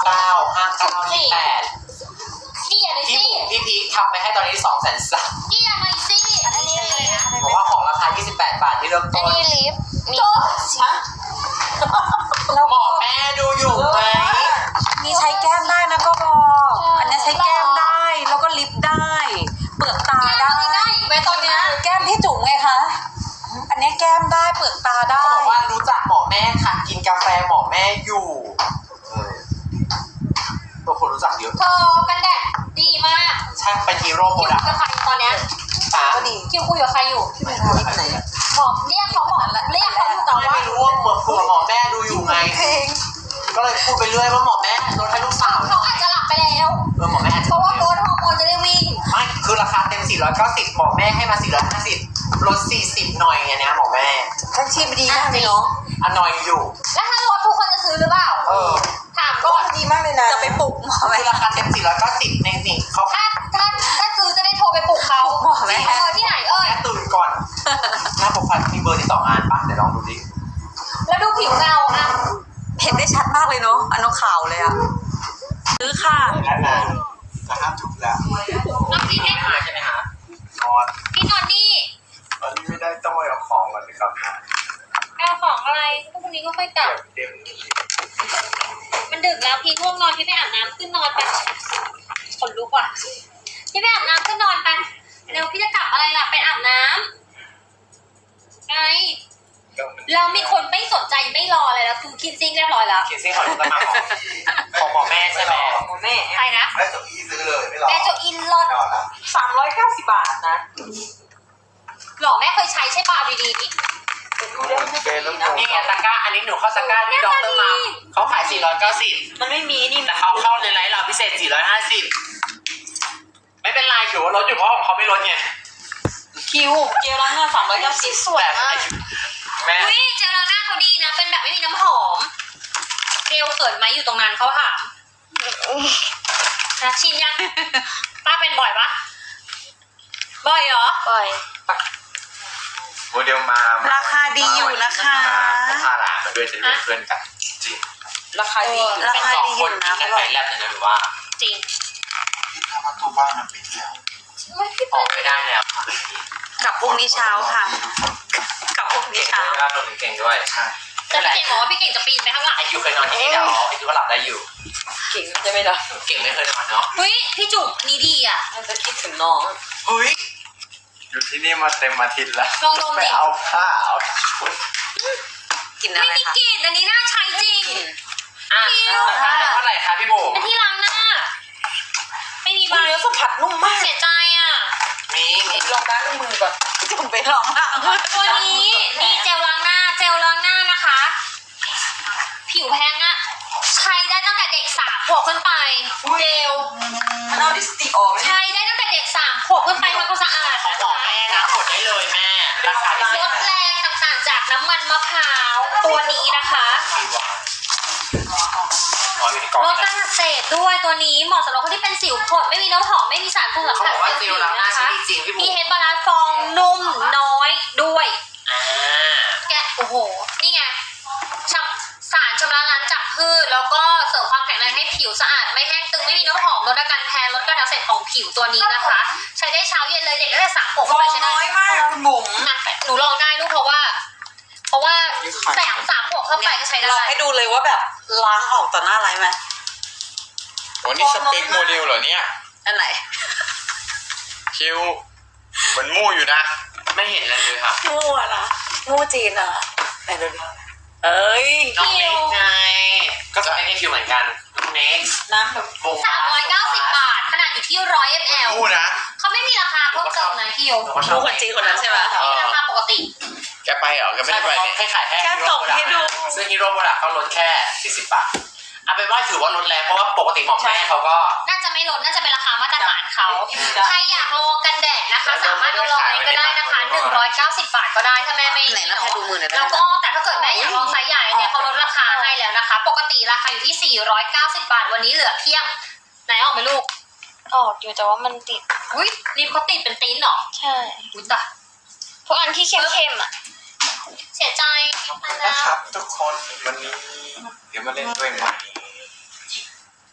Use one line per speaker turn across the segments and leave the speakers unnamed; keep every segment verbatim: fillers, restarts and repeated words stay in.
เก้าห้าเก้ายี่แปด
กี่อย่างไรสิ
พี่พีคทำไปให้ตอนนี้สองแสนสาม
กี่อย่างไรสิอันนี้อะไรนะ
บอกว่าของราคายี่สิบแปดบาทที่เริ่ม
อั
ต้
น
น
นี้ลิฟต์มี
ฮะ
หมอแม่ดูอยู่ไหม
มีใช้แก้มได้นะก็บอกอันนี้ใช้แก้มได้แล้วก็ลิปได้ เปลือกตาได้
ไว้ตอนเนี้ย
แก้มพี่จุ๋มไงคะอันนี้แก้มได้เปลือกตาได้
เขาบอกว่ารู้จักหมอแม่ค่ะกินกาแฟหมอแม่อยู่เออตัวคนรู้จักเยอะ
เธอกันแดดดีมาก
ช่างเป็นฮีโร่โปร
คิว
ดักต์
กับใครตอนเนี้ย
ป้า
ก็ดี
คิวคุยกับใครอยู่
ไม่รู้ว่าไหน
หมอเรียกเขาหมอเรียกเขาอยู่แต่ว่า
ไม่รู้ว่าหมอเผื่อหมอแม่ดูอยู่ไง
เพลง
ก็เลยพูดไปเรื่อยว่าหมอแม่ลดให้ลูกสาว
เขาอาจจะหลับไปแล้ว
เออหมอแม่อาจ
เพ
จะ
ราะว่าโกรทฮอร์โมนจะได้วิ่ง
ไม่คือราคาเต็มสี่ร้อยเก้าสิบหมอแม่ให้มาสี่ร้อยห้าสิบลดสี่สิบหน่อยไงเนี่ยหมอแม่
ทั้งชีพดีมากเลยเนาะ
อ่ะหน่อยอยู่
แล้วถ้าลดทุกคนจะซื้อหรือเปล่า
เออ
ถาม
ก็
ก่อน
ดีมากเลยนะจะไปปลุกหมอไหม
คือราคาเต็มสี่ร้อยเก้าสิบในนี่เขา
ถ้าถ้าถ้าซื้อจะได้โทรไปปลุกเขา
หมอไหม
เออที่ไหนเอ่ย
แค่ตื่นก่อน หน้าโปรไฟล์มีเบอร์ที่สองอันป่ะเดี๋ยวลองดูดิ
แล้วดูผิวเงาอ่ะ
เห็นได้ชัดมากเลยเนาะอันน้องขาวเลยอะซื้อค่ะ
และนานจะห้ามจุดแล้ว
น้องพี่เนี่ย
หาใช่ไหมฮะ
นอน
พี่นอนนี่
ตอนนี้ไม่ได้ต้องไปเอาของก่อนนะครับ
เอาของอะไรพรุ่งนี้ก็ค่อยกลับ
เดี๋ยว
มันดึกแล้วพี่ง่วงนอนพี่ไปอาบน้ำขึ้นนอนไปขนลุกว่ะพี่ไปอาบน้ำขึ้นนอนไปเร็วพี่จะกลับอะไรล่ะไปอาบน้ำไงเรามีคนไม่สนใจไม่รอเลยแล้วคือคิดซิ่งเรียบร้อยแล้ว
เขียนซิ่งของลูกกระหม่อมของหมอแม่ใช่ไหม
หมอแม่
ใครนะ
ได้จบที่ซื้อเลยไม่รอ
แม่โจอินรถ
นอนละ
สามร้อยเก้าสิบบาทนะ
หรอแม่เคยใช้ใช่ป่ะดี
เป็นน้ำมัน
นี่ไงตะกร้าอันนี้หนูเข้าตะกร้าที่ดรมาเขาขายสี่ร้อยเก้าสิบ
มันไม่มีนี่
แต่เขาเข้าในไลน์เราพิเศษสี่ร้อยห้าสิบไม่เป็นไรถือว่าลดอยู่เพราะของเขาไม่ลดไง
คิวเจลล้างหน้าสามร้อยเก้าสิบสวย
แต่
มาก
แม่
ๆอุ้ยเจลล้างหน้าเขาดีนะเป็นแบบไม่มีน้ำหอมเร็วเขินไหมอยู่ตรงนั้นเขาถามนะชินยังป้าเป็นบ่อยปะบ่อยเหรอบ่อย
โมเดลมา
ราคาดีอยู่นะคะ
พาหลานมาด้วยจะเป็นเพื่อนกันจริง
ราคาดีราคาดีอยู่นะ
เป็นไปแลบเลยนะหรือว่า
จริง
ที่ถ้าประตูบ้านมันปิดแล้ว
ไม่พี่
ออกไม่ได้แล้ว
กลับพรุ่งนี้เช้าค่ะกลับพรุ่งนี้
เก่ง
เช้า
ด้วยนะตัวหนึ่งเก่งด้วย
ใช่
แต่พี่เก่งบอกว่าพี่เก่งจะปีนไปข้างหลัง
ไอคิวเคยนอนที่นี่แล้วไอคิวก็หลับได้อยู่
เก่งใช่ไหมล่ะ
เก่งไม่เคยนอนเนาะ
เฮ้ยพี่จุ๋มอันนี้ดีอ่ะ
มันจะคิดถึงน้อง
เฮ้ย
อยู่ที่นี่มาเต็มอาทิตย์แล้ว
ลองดม
ไป
ดิ
เอาผ้าเอาชุด
กินอะ
ไม่
ไร
มี
คะ
กลิ่นอันนี้น่าใช้จริง
อ่ะเท่าไหร่คะพี่โบ
เป็นที่ล้างหน้า ไม่มีใบ
เนื้อสัมผัสนุ่มมาก
เสียใจอ่ะ
มีมี
ลองล้างมือก่อนจุ่มไปลองล้าง
ตัวนี้นี่เจลล้างหน้า เจลล้างหน้านะคะ ผิวแห้งอ่ะ ใช้ได้ตั้งแต่เด็กสามขวบขึ้นไป เจล
มันเอาลิปสติกออกไหม
ใช้ได้ตั้งแต่เด็กสามขวบขึ้นไปทำความสะอาด
ของ
นะ
บอก
คะ
แม่นะกดได้เลยแม่ ราคาพิเศ
ล
ษ
ดแรงต่างๆจากน้ำมันมะพร้าวตัวนี้นะคะ
สี่วันอ๋ออยู่ในกล่อง
ลดการอักเสบด้วยตัวนี้เหมาะสำหรับคนที่เป็นสิวผดไม่มีน้ำหอมไม่มีสารปรุงแต่ง
เขาบอกว่าเจลล้างหน้าใช้
นะคะ
ดีจริงพี่โบ
มีเฮดบาลานซ์ฟองนุ่มน้อยด้วย
อ่า
แกะโอ้โห นี่ไงชำสารชำระล้างจากพืชแล้วก็เสริมความแข็งแรงให้ผิวสะอาดไม่แห้งตึงไม่มีน้ำหอมลดอาการแพ้ลดการอักเสบของผิวตัวนี้นะคะ ใช้ได้เช้าเย็นเลยเด็กตั้งแต่สามขวบ
ฟ
ขึ้น
อ
ไป
ง
ใช้ได้
น้อยมากคุณบุ๋ม
นะหนูลองได้ลูกเพราะว่า เพราะว่าแต่สามขวบเข้าไปก็ใช้
ล
ได้
องให้ดูเลยว่าแบบล้างออกต่อหน้าไรไหม
วันนี้สเปคโมเดลเหรอเนี่ย
อันไหน
คิวเหมือนมู่อยู่นะ
ไม่เห็นอะไรเลยค่ะ
งูอะนะงูจีนอะไหนดูดิเอ้ย
น้องเน็กไงก็จะเป็นคิวเหมือนกันน้องเน็ก
น้ำแบบ
วง
สามร้อยเก้าสิบบาท ขนาดอยู่ที่ร้อยมล
มู่นะ
เขาไม่มีราคาเพิ่มเติมนะคิว
งูคนจีนคนนั้นใช่ไหม
มีราคาปกติ
แกไปเหรอแกไม่
ใช่
ได้
เพ
ไป
ราะ
เนี่ย
แค่ขายแค่
แค่ส่งให้ดู
ซึ่งฮีโร่โปรดักต์เขาลดแค่สี่สิบบาทเอาเป็นว่าถือว่าลดแรงเพราะว่าปกติหมอแม่เขาก็
น่าจะไม่ลดน่าจะเป็นราคามาตรฐานเขา ใครอยากลองกันแดดนะคะ สามารถเอาลองนี้ก็ได้นะคะหนึ่งร้อยเก้าสิบบาทก็ได้ถ้าแม่ไม่
ไหนนะให้ดูมือหน่อยได้
แล้ว
ไหม
ก็แต่ถ้าเกิดแม่อยากลองไซส์ใหญ่เนี่ยเขาลดราคาให้แล้วนะคะ ปกติราคาอยู่ที่สี่ร้อยเก้าสิบบาทวันนี้เหลือเพียงไหนออกไหมลูก
ออกอยู่แต่ว่ามันติด
อุ้ยลิปเขาติดเป็นตีนเหรอ
ใช่
อุ้ยตาย
พวกอันที่เข้มๆอ่ะ
เสียใจไป
นะ
แล้ว
ครับทุกคนวันนี้เดี๋ยวมาเล่นด้วยใหม่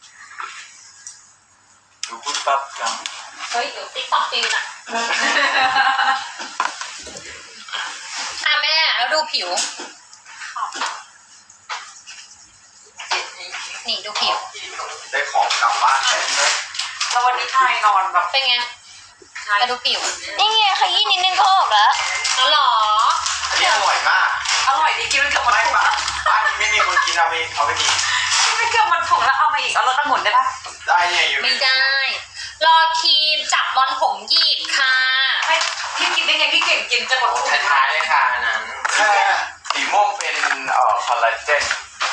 เฮ้ยเดี๋ยวติ๊กต็อกตีนอ่ะอ่ะแม่แล้วดูผิวนี่ดูผิว
ได้ของกลับบ้านเต็มเลย
แล้ววันนี้ทายนอนแบบ
เป็นไงมาดูผิว
นี่ไงขยี้นิดนึงก็ออกแล้ว
อ๋อเหรอ
อันนี้อร่อยมาก
อร่อยดีกินไปเกือบหมด
ไม่
ถุง
ปะ
ละ
บ้านนี้ไม่มีคนกินเอาไปเอาไปกิน
กินไปเกือบหมดถุงแล้วเอามาอีกเอารสองุ่นได้ปะ
ได้เนี่ยอยู่
ไม่ได้ รอครีมจับรอนผมหยิบค่ะ
ไม่พี่กินได้ไงพี่เก่งกินจะหมดถุง
ท้ายๆเลยค่ะอันนั้น
แค่สีม่วงเป็นเอ่อคอลลาเจน